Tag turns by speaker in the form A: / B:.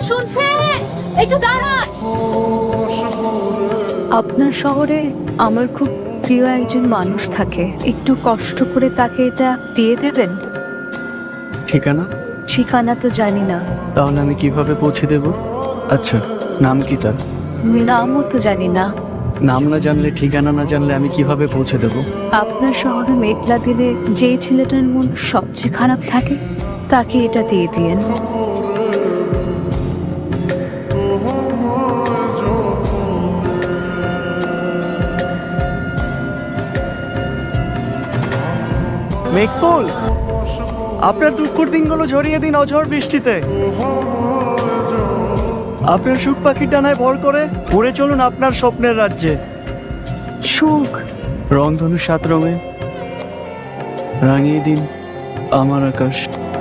A: শুনছেন? একটু দাঁড়ান। আপনার শহরে আমার খুব প্রিয় একজন মানুষ থাকে, একটু কষ্ট করে তাকে এটা দিয়ে দেবেন।
B: ঠিকানা?
A: ঠিকানা তো জানি না,
B: তাহলে আমি কিভাবে পৌঁছে দেব? আচ্ছা, নাম কি তার?
A: নামও তো জানি না।
B: নাম না জানলে, ঠিকানা না জানলে আমি কিভাবে পৌঁছে দেব?
A: আপনার শহরে মেঘলা দিনে যেই ছেলেটার মন সবচেয়ে খারাপ থাকে তাকে এটা দিয়ে দিয়েন।
B: মেঘফুল, আপনার দুঃখের দিনগুলো ঝরিয়ে দিন অঝড় বৃষ্টিতে। আপনার সুখ পাখির ডানায় ভর করে উড়ে চলুন আপনার স্বপ্নের রাজ্যে।
A: সুখ?
B: রংধনু 7 রঙে রাঙিয়ে দিন আমার আকাশ।